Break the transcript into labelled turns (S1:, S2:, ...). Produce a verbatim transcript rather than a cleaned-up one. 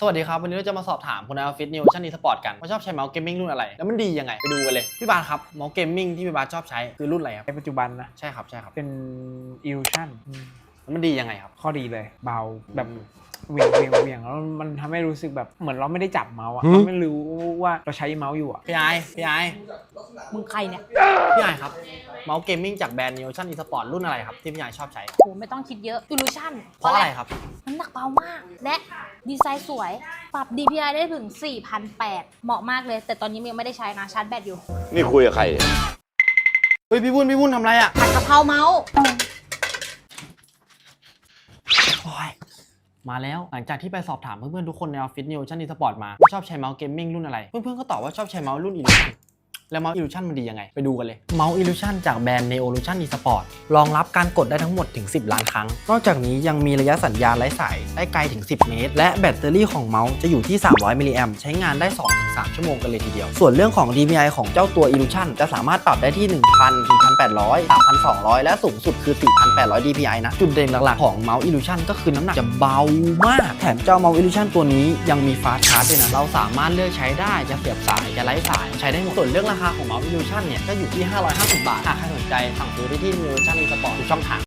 S1: สวัสดีครับวันนี้เราจะมาสอบถามคุณในออฟฟิศนิวชั่นอีสปอร์ตกันว่าชอบใช้เมาส์เกมมิ่งรุ่นอะไรแล้วมันดียังไงไปดูกันเลยพี่บาสครับเมาส์เกมมิ่งที่พี่บาสชอบใช้คือรุ่นอะไรครับ
S2: ในปัจจุบันนะ
S1: ใช่ครับใช่ครับ
S2: เป็น Illusion
S1: แล้วมันดียังไงครับ
S2: ข้อดีเลยเบาแบบเวียงเวียงเวียงแล้วมันทำให้รู้สึกแบบเหมือนเราไม่ได้จับเมาส์อะเราไม่รู้ว่าเราใช้เมาส์อยู่อะ
S1: พี่ไอพี่ไอ
S3: มึงใครเนี่ย
S1: พี่ไอครับเมาส์เกมมิ่งจากแบรนด์นิวชั่นอีสปอร์ตรุ่นอะไรครับที่พี่ไอชอบใช้
S3: โหไม่ต้องคิดเยอะ Illusion
S1: เพราะอะไรครับ
S3: น้ำหนักเบามาก และดีไซน์สวย ปรับ ดี พี ไอ ได้ถึง สี่พันแปดร้อย เหมาะมากเลย แต่ตอนนี้ยังไม่ได้ใช้นะชาร์จแบตอยู่
S4: นี่คุยกับใคร
S1: เฮ้ยพี่วุ้นพี่วุ้นทำอะไรอ่ะ
S3: ผัดกะเพราเมาส์
S1: มาแล้วหลังจากที่ไปสอบถามเพื่อนๆทุกคนในออฟฟิศนิวชั่นอีสปอร์ตมาว่าชอบใช้เมาส์เกมมิ่งรุ่นอะไรเพื่อนๆก็ตอบว่าชอบใช้เมาส์รุ่น Illusion แล้วเมาส์ Illusion มันดียังไงไปดูกันเลยเมาส์ Illusion จากแบรนด์ Neolution eSport รองรับการกดได้ทั้งหมดถึงสิบล้านครั้งนอกจากนี้ยังมีระยะสัญญาณไร้สายได้ไกลถึงสิบเมตรและแบตเตอรี่ของเมาส์จะอยู่ที่สามร้อยมิลลิแอมป์ใช้งานได้ สองถึงสาม ชั่วโมงกันเลยทีเดียวส่วนเรื่องของ ดี พี ไอ ของเจ้าตัว Illusion จะสามารถปรับได้ที่ หนึ่งพัน หนึ่งพันแปดร้อย สามพันสองร้อย และสูงสุดคือ สี่พันแปดร้อย ดี พี ไอ นะจุดเด่นหลักๆของเมาส์ Illusion ก็คือน้ำหนักจะเบามากแถมเจ้าเมาส์ Illusion ตัวนี้ยังมีฟาสต์ชาร์จด้วยนะเราสามารถเลือกใช้ได้จะเสียบสายจะไร้สายใช้ได้หมดส่วนเรื่องราคาของเมาส์ Illusion เนี่ยก็อยู่ที่ห้าร้อยห้าสิบบาทหากใครสนใจสั่งซื้อได้ที่ Neolution eSport ทุกช่องทาง